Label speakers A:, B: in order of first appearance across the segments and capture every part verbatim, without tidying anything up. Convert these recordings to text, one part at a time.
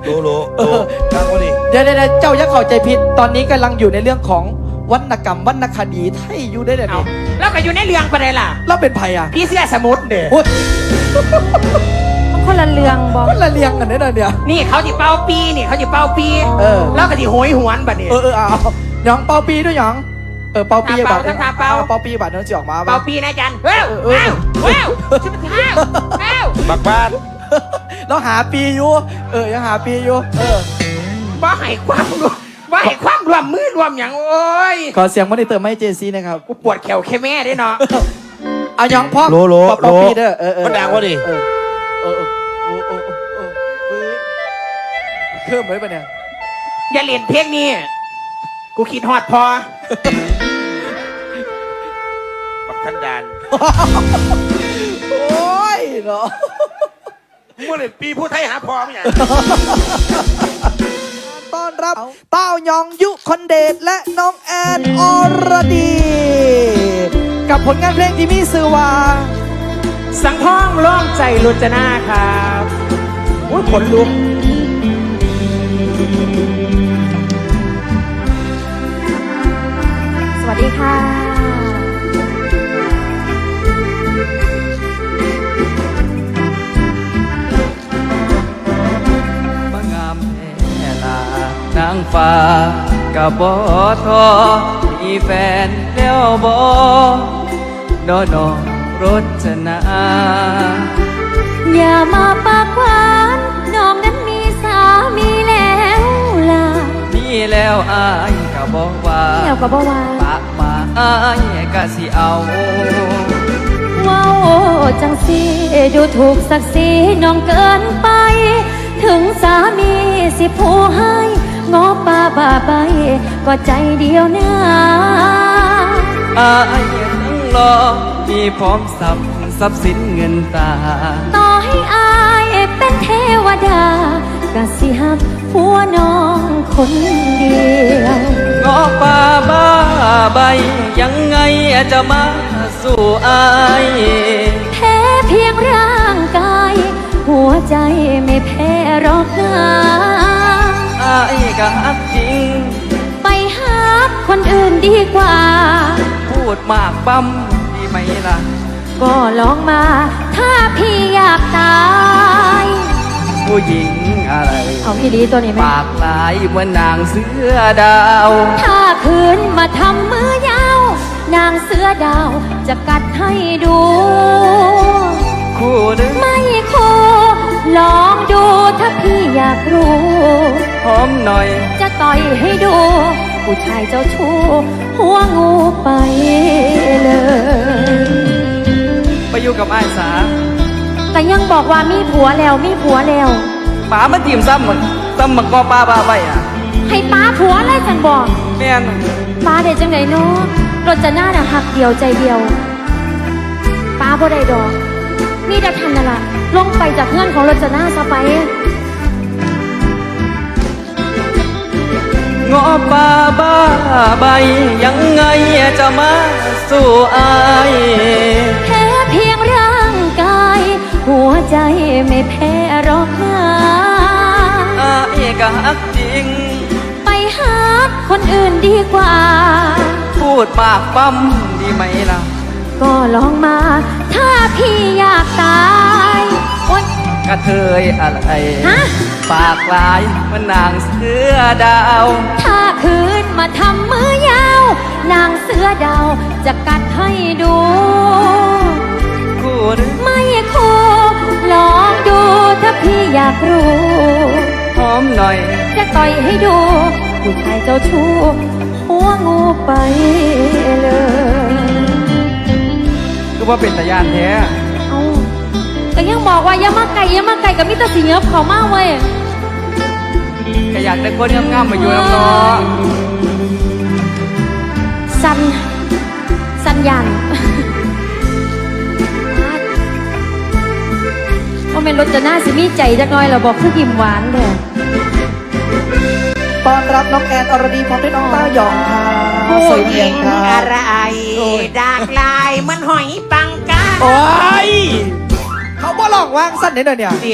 A: โลโลโลกลางพอดี
B: เดี๋ยวเดี๋ยวเจ้าอย่าเข้าใจผิดตอนนี้กำลังอยู่ในเรื่องของวรรณกรรมวรรณคดีไทยอยู่ได้เลยนี่
C: แล้วก็อยู่ในเรื่องไปเลยล่ะ
B: เราเป็นไผ่อะ
C: พี่เสื้อสมุทรเด้อ
B: โอ้ย
D: คนละเรื่องบอก
B: คนละเรียงกันได้เลยเนี่ย
C: นี่เขาจิเป้าปีนี่เขาจิเป้าปี
B: เออ
C: แล้วก็จิโหยหวนบัดนี้
B: เออเออเอาหยองเป่าปีด้วยหยองเออเป่าปี
C: อ่ะเป่า
B: บัตร
C: ทำเป่า
B: เป่าปีบัตรนั่นจะออกมา
C: เป้าปีนะจันเว้าว
B: เออ
C: ว้าว
B: เออ
C: ว้าวชุบว้าวว้าว
A: บักบ้าน
B: เราหาปีอยู่เออยังหาปีอยู่เออ
C: บ่ให้ความรวมบ่ให้ความรวมมือรวมอย่างโอ้ย
B: ขอเสียงมอนิเตอร์ไม่เจซีนะครับ
C: กูปวดแขวแค่แม่ได้เนาะ
B: เอาหยองพ่อ
A: โลโล
B: เป่า
A: โล
B: ปีเด้อเออเออ
A: มันดังวะดิ
B: เออเออเออเออเออเออเออเออเครื่องไว้ปะเนี่ย
C: อย่าเล่นเพลงนี้กูคิดฮอดพอ
A: บักทันดาน
B: โอ้ยเนาะ
A: มึงเล่นปีผู้ไทยหาพร้อมอย่าง
B: ต้อนรับเต้ายองยุคอนเดชและน้องแอนอรดี กับผลงานเพลงที่มีชื่อว่า
C: สังท้องร้องใจลุจนาครับอุ้ยขนลุก
D: สวัสดีค่ะ
E: มางามแท่ลานางฟ้ากะบ่ทอมีแฟนแล้วบ่นอนอรจนา
D: อย่ามาปากหวานน้องนั้นมีสามีแล้วล่ะ
E: มีแล้วอายกะบอกว่า
D: เดี๋ยวก็บอกว่า
E: ปากมาอายกะสิเอา
D: ว้าวจังสิดูถูกศักดิ์ศรีน้องเกินไป ถึงสามีสิผู้ให้งอป่าบ่าใบก็ใจเดียวนะ
E: อายทั้งรอมีพร้อมทรัพย์ทรัพย์สินเงินตา
D: ต่อให้อายเป็นเทวดากะสิหักหัวน้องคนเดียว
E: งอป่าบ้าใบยังไงจะมาสู่อาย
D: แพ้เพียงร่างกาย หัวใจไม่แพ้หรอกนะ
E: อายก็ฮักจริง
D: ไปหาคนอื่นดีกว่า
E: พูดมากปั๊มดีไหมล่ะ
D: ก็ลองมา ถ้าพี่อยากตาย
E: ผู้หญิงอะไร
D: เอาพี่ดีตัวนี้ไหม
E: ปากลายเหมือนนางเสือดาว
D: ถ้าคืนมาทำมือยาว นางเสือดาวจะกัดให้ดู
E: คู่หนึ่ง
D: ไม่คู่ลองดูถ้าพี่อยากรู้
E: หอมหน่อย
D: จะต่อยให้ดู ผู้ชายเจ้าชู้หัวงูไปเลย
E: ไปอยู่กับไอ้ายสา
D: แต่ยังบอกว่ามีผัวแล้วมีผัวแล้ว
E: ป๋ามาทีมซ้ำหมดซ้ำมักกอปลาบาใบอ่ะ
D: ให้ป้าผัวอะไรจังบอก
E: แม่น
D: ป้าได้จังไหนเนาะรถจะหน้าน่ะหักเดียวใจเดียวป้าบ่ได้ดอกนี่จะทันน่ะล่ะลงไปจากเพื่อนของรถจะหน้าซะไป
E: งอปลาบ้าใบยังไงจะมาสู่อาย
D: แพ้เพียงร่างกาย หัวใจไม่แพ้หรอกนะ
E: อายก็ฮักจริง
D: ไปหาคนอื่นดีกว่า
E: พูดปากปั๊มดีไหมล่ะ
D: ก็ลองมา ถ้าพี่อยากตายโอ๊ย
E: กระเทยอะไร
D: ฮะ
E: ปากลายเหมือนนางเสือดาว
D: ถ้าคืนมาทำมือยาว นางเสือดาวจะกัดให้ดู
E: คู่หนึ่ง
D: ไม่คู่ลองดูถ้าพี่อยากรู้
E: หอมหน่อย
D: จะต่อยให้ดู ผู้ชายเจ้าชู้หัวงูไปเลย
E: คือว่าเป็นตะยานแท้
D: เอาก็ยังบอกว่าอย่ามาไก่อย่ามาไก่กับมิตรสีเงือบเขามากเว้ย
E: ก็อยากได้คนงามๆมาอยู่น้ำน้อง
D: สันสันยันว่าเป็นรถจะหน้าสิมีใจจักหน่อยเราบอกคือยิ้มหวานเด้อ
B: ต้อนรับน้องแอนอรดีพร้อมด้วยน้องเต้ายองค่ะ
C: ผู้
B: สวย
C: ห
B: เพีย
C: ญิ
B: ง
C: ง
B: ค่ะ
C: อะไรดากลายเหมันหอยปังกา
B: โอ้ยเขาบ่หลอกวางสั้นนิดเดียวเนี่ย
C: ดิ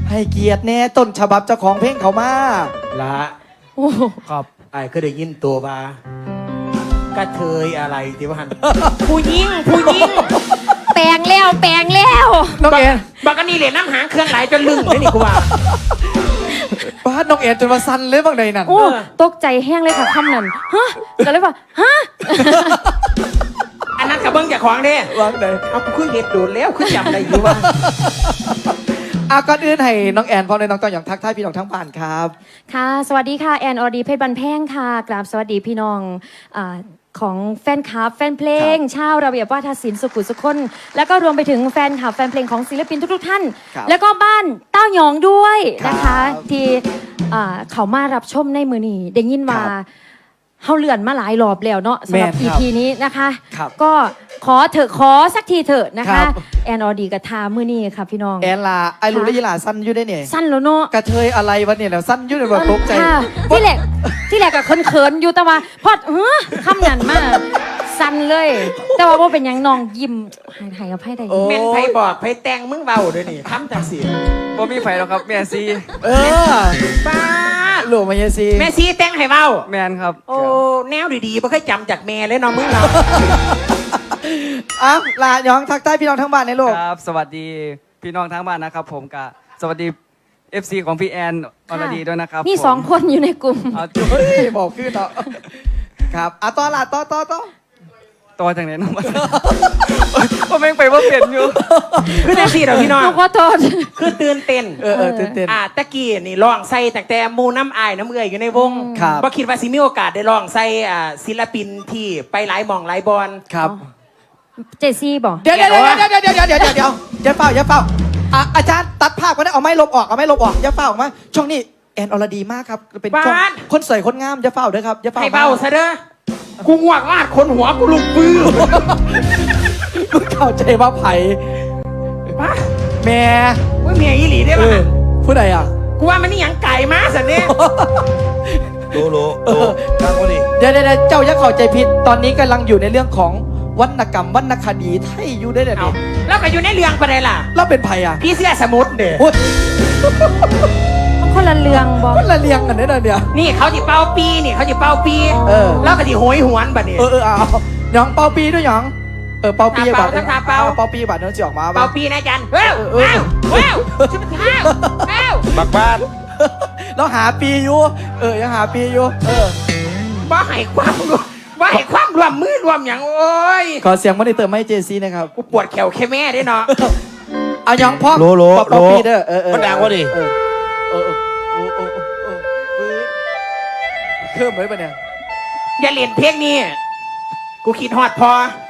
B: ให้เกียรติแน่ต้นฉบับเจ้าของเพลงเขามา
A: ละ
D: โอ้โห
C: ครับ
A: ไอ้ก็ได้ยินตัวมากระเทยอะไรที่ว่าหัน
C: ผู้หญิงผู้หญิง
D: แปลงแล้วแปลงแล้ว
B: น้องแอน
C: บักอันนี้เหรียญน้ำหางเครื่องไหลจนลึงเลยนี่กูว่า
B: บ้านน้องแอนจนมาสั่นเลยบางใดนั่น
D: โอ้ตกใจแห้งเลยค่ะคำนั้นฮะก็เลยว่าฮะ
C: อันนั้นกับเบิ้งจากของเด้
B: วางใด
C: เอากูขึ้นเห็ดโดดแล้วขึ้นจำได้อยู่ว่า
B: อาก่อนอื่นให้น้องแอนพร้อมเลยน้องต้องอย่างทักทายพี่น้องทั้งบ้านครับ
D: ค่ะ สวัสดีค่ะ แอนอรดีเพชรบันแพงค่ะกราบสวัสดีพี่น้องอาของแฟนคลับ แฟนเพลง ชาวระเบียบวาทศิลป์สุขุมสุขคน แล้วก็รวมไปถึงแฟนคลับ แฟนเพลงของศิลปินทุกๆท่าน
B: ครับ
D: แล้วก็บ้านเต้าหยองด้วยนะ
B: ครั
D: คะ
B: บ
D: ที่อ่าเขามารับชมในมือนี้ได้ยินว่า
B: ครับ
D: เฮาเลื่อนมาหลายรอบแล้วเนาะสำหรับ
B: แม่น
D: อี
B: ครับ
D: พีนี้นะคะ
B: ครับ
D: ก็ขอเถอะขอสักทีเถอะนะ
B: ครั
D: คะ
B: บ
D: แอนอดีกับทามือนี้ค่ะพี่น้อง
B: แอนลาไอรูและยีหลาสั้นอยู่ได้เนี่ย
D: สั้นแล้วเนาะ
B: กระเทยอะไรวะเนี่ยแล้วสั้นอยู่ในแบบตกใจ
D: ค่ะที่แหลกที่แหลกกับเขินๆอยู่แต่ว่าพอดเออคำนั้นมากสั่นเลย แต่ว่าบ่เป็นหยังน้องยิ้มหายหายกับไพ่ใด
B: โอ้
C: เมนไผบอกไผแต่งมึงเบาด้วยนี่ทำจากเสียง
E: บ่มีไฟหรอกครับแม่ซี
B: เออ
C: ป้า
B: หลวงมาเยซี
C: แม่ซีแต่งให้เบา
E: แม่นครับ
C: โอ้แนวดีๆไม่เคยจำจากแม่เลยเนาะมึงเรา
B: อ้าวลาย้องทักทายพี่น้องทั้งบ้านในโลก
E: ครับ สวัสดีพี่น้องทั้งบ้านนะครับ ผมกะสวัสดี เอฟ ซี ของพี่แอนอรดีด้วยนะครับ
D: มี
E: ผม
D: สองคนอยู่ในกลุ่ม
E: เอา
B: เฮ้ยบอกขึ้นเนาะครับอ่ะต่อละต่อต่อต่อ
E: ตัวทางไหนน้องมาว่าแม่งไปว่าเปลี่ยนอยู่
C: คือแท็กซี่เหรอพี่น้อง
D: น้องขอโทษ
C: คือตื่นเต้น
B: เออเออเต้นเต้น
C: อ่าตะกี้นี่ร้องใส่ตั้งแต่หมูน้ำอายน้ำเอื่อยอยู่ในวง
B: ครับ
C: บ่คิดว่าสิมีโอกาสได้ร้องใส่อ่าศิลปินที่ไปหลายหม่องหลายบอล
B: ครับ
D: เจซี่บอก
B: เดี๋ยวเดี๋ยวเดี๋ยวเดี๋ยวเดี๋ยวเดี๋ยวเดี๋ยวเดี๋ยวเดี๋ยวอย่าเฝ้าอย่าเฝ้าอ่ะอาจารย์ตัดภาพก็ได้เอาไม้ลบออกเอาไม้ลบออกอย่าเฝ้าออกมาช่วงนี้แอนอรดีมากครับเป็นช่วง
C: บ้าน
B: คนสวยคนงามอย่าเฝ้าเด้อครับอย่าเฝ้า
C: ให้เบาซะเด้อกูงวกลาดคนหัวกูลุกปื้อ
B: มึงเข้าใจว่าไผ่
C: ป้า
B: แม่
C: ว่าเมียอีหลีได้
B: เอ
C: ป่ะ
B: อผู้ใดอ่ะ
C: กูว่ามันนี่หยังไก่มาสันเนี่ย
A: โลโลโลฟังเขาดิ
B: เดี๋ยวเดี๋ยวเดี๋ยวเจ้าอย่าเข้าใจผิดตอนนี้กำลังอยู่ในเรื่องของวรรณกรรมวรรณคดีไทยอยู่ได้เลย
C: เอา
B: นี่
C: แล้วก็อยู่ในเรื่องประเด็นล่ะ
B: เราเป็นไผ่อ่ะ
C: พี่เสื้อสมุดเด้อ
B: โอ้ย
D: คนละเรืองบอก
B: คนละเรียงกันเนี่ยเดี๋ยว
C: นี่เขาจิเป้าปีนี่เขาจิเป้าปี
B: เออ
C: แล้วก็จิโหยหวนบัดนี้
B: เออเออเอาหยองเป่าปีด้วยหยองเออเป่าปี
C: ทาเป่า
B: บัตร
C: ทาเป่า
B: เป่าปีบัตรเนื้อจะออกมา
C: เป้า
B: ปะ
C: ปีนะจันเว้าว
B: เออเออ
C: ว้าวว้าวชิบะเท้าว้าว
A: บักบ้าน
B: เราหาปีอยู่เออยังหาปีอยู่เออ
C: บ่ให้ความรวมบ่ให้ความรวมมือรวมอย่างโอ้ย
B: ขอเสียงมาในเติมให้เจซีนะครับ
C: กูปวดแขวแค่แม่ได้เนาะ
B: เอาหยองพ่อ
A: โลโล
B: เป่า
A: โล
B: ปีเด้อเออเออ
A: มันดังวะดิ
B: เออเออเออเออเออเออเออเออเครื่องไหมปะเนี่ย
C: อย่าเล่นเพลงนี้ กูคิดฮอดพอ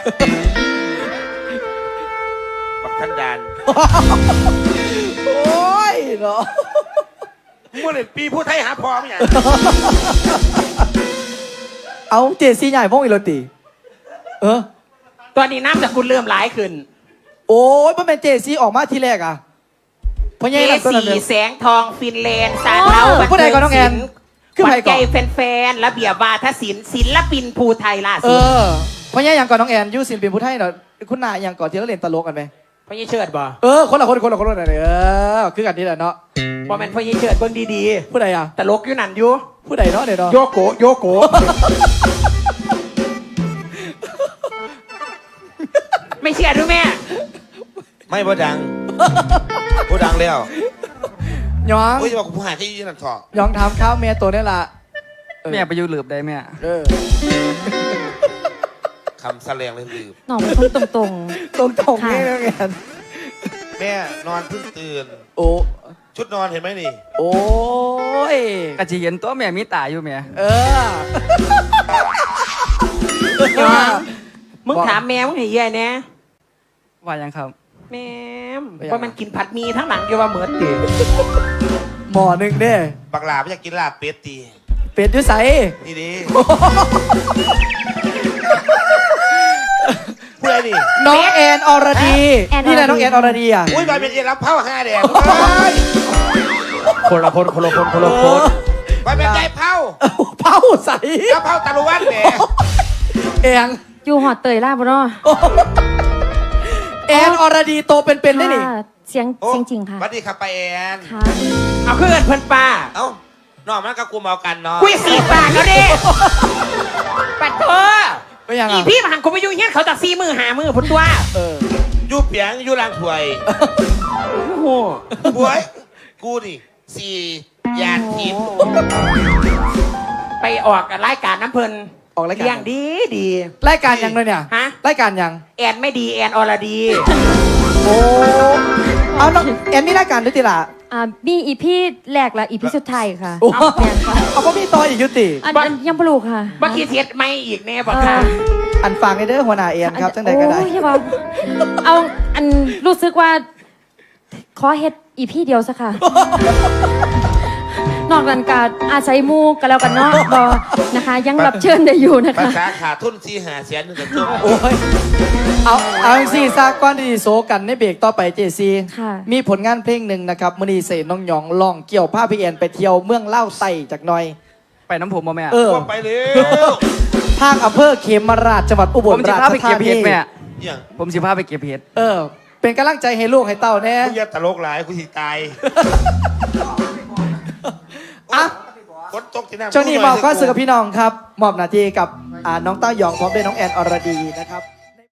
A: บักทันดาน
B: โอ้ยเนาะ
A: เมื่อเล่นปีผู้ไทยหาพอมั้ยเนี่ย
B: เอาเจซีใหญ่พวกอีโรตีเออ
C: ตอนนี้น้ำจากคุณเริ่มหลายขึ้น
B: โอ้ยมันเป็นเจซีออกมาทีแรกอ่ะเพราะ
C: เจ
B: ยังไงตัวนั้น
C: สี
B: เนี่ย
C: แสงทองฟินแลนด์ซาเท้า
B: ผู้ใดก่อนน้องแอน
C: ขึ้น
B: ผู้ใด
C: ใจ
B: ก่อน
C: แฟนๆระเบียบวาทศิลป์ศิลปินภูไทยล่า
B: เอ
C: สุด
B: อเพราะยังอย่างก่อนน้องแอนยูสินเป็นผู้ไทยเนาะคุณนายอย่างก่อนที่เราเล่นตลกกันไหม
C: พ่อยี่เชิดบ่
B: เออคนละคนคนละคนละเออคือกันนี่แหละเนาะ
C: บ่แม่นพ่อยี่เชิดเบิ่งดี
B: ผู้ใดอ่ะ
C: ๆตลกอยู่นั่นอยู่
B: ผู้ใดเนาะเดี๋ยวเนาะ
C: โยโกะโยโกะ ไม่เชื่อดูแม่
A: ไม่บ่ดังบ่ดังแล้ว
B: ย้อง
A: เฮ้ยจะบอกกูผู้หายที่ยืนนั่นถอด
B: ย้องถามข้าวเมียตัวนี่ละเออ
E: แม่ไปอยู่หลืบได้แม่
B: เออ
A: คำแสลงเลยลืม
D: น้องเป็นคนตรง
B: ตรงตรงๆนี่น้องแอน
A: แม่นอนเพิ่งตื่น
B: โอ้
A: ชุดนอนเห็นไหมนี่
B: โอ้ย
E: กะจิเห็นตัวแม่มีตาอยู่แม่
B: เออ
C: มึงถามแม่มึงให้เยี่ยแน่
E: ว่ายังครับ
C: แม่มว่ามันกินผัดหมีทั้งหลังอยู่ว่าเหมือนติ
B: หมอหนึ่งเด้
A: บักหลาไม่อยากกินลาบเป็ดตี
B: เป็ดด้วยใส
A: นี่ดิผู้ใดนี่
B: น้องแอนอรดีนี่แหละน้องแอนอรดีอ่ะ
A: อุ้ยบอยเป็นเอ็นรับเผาห้าแดง
C: คนละคนคนละคนคนละคน
A: บอยเป็นใจเผา
B: เผาใส
A: แล้วเผาตะลุวันแหม
B: แอน
D: ๆอยู่หอดเตยล่าบ่เนาะ
B: แอนอรดีโตเป็นๆได้นี่
D: ค่ะเสียง
F: โอ้
D: เสียงจริงค่ะ
F: สวัสดีครับป้าแอน
D: ค่ะ
C: เอาขึ้นเพิ่นป้า
F: เอ้าน้องมันกับกูเมากันเนาะ
C: คุยสีปากแล้วเด้ปัดเธอ
B: ไปยัง
C: อี
B: อ่ะ
C: พี่มาหันกูไปอยู่เฮี้ยนเขาตักซีมือหามือพุ่นตัว
B: เออ
F: ยูเปียงยูรางถวย
C: โอ้โห
F: บวยกูนี่สี่ยานทิพย์
C: ไปออกกับรายการน้ำเพิ่น
B: ออกรายการ
C: เลี้ยงดีดี
B: รายการยังเลยเนี่ย
C: ฮะ
B: รายการยัง
C: แอนไม่ดีแอนอรดี
B: โอ้เอาน้องแอนมีรายการด้วยติล่ะ
D: อ่ามีอีพี่แรกและอีพี่สุดท้ายค่ะ
B: โอ้
D: เอาเนี่ยค่ะ
B: เอาพ่อมีต่ออีกยุติ
D: อันอันยังปลูกค่ะ
C: เมื่อกี้เทียดไม่อีกแน่บอก
D: เอ
C: ค่ะ
D: อ
B: อันฟังในเด้อหัวหน้าแอนครับจังใดก็ได้
D: โอ้ยอย่าบอกเอาอันรู้สึกว่า ขอเฮ็ดอีพี่เดียวสักค่ะ นอกนั้นกาอาศัยหมูกันแล้วกันเนาะบอนะคะ ยังรับเชิญได้อยู่นะ
F: ภา
D: คะ
F: ษาขาดทุนสี่หาแสนหนึ่งกับจุ๊บ
B: โอ้ย เอาเอาสิซากก้อนที่โซกันในเบรกต่อไปเจซี
D: ค่ะ
B: มีผลงานเพลงหนึ่งนะครับมอนีเสนน้องหยองลองเกี่ยวผ้าพี่แอนไปเที่ยวเมืองเล่าไต่จากหน่อย
E: ไปน้ำผมมาแม่
B: เออ
F: ว่าไปเร็ว
B: ทางอำเภอเขมราชจังหวัดอุบ
E: ผ
B: ล
E: มสิ
B: รา
E: พา
B: ช
E: ไป
B: ธา
E: เก็บ
B: นี
E: เห็ดแม่
F: อย่าง
E: ผมสิพาไปเก็บเห็ด
B: เออ เป็นกำลังใจให้ลูกให้เต้าแน่
F: กูอย่าตลกหลายกูสิตาย
B: อ่ะ
F: ฝนตกที่นั่น
B: ช่วงนี้มอบข้อสื่อกับพี่น้องครับ มอบหน้าที่กับอ่าน้องเต้าหยองพร้อมด้วยน้องแอนอรดีนะครับ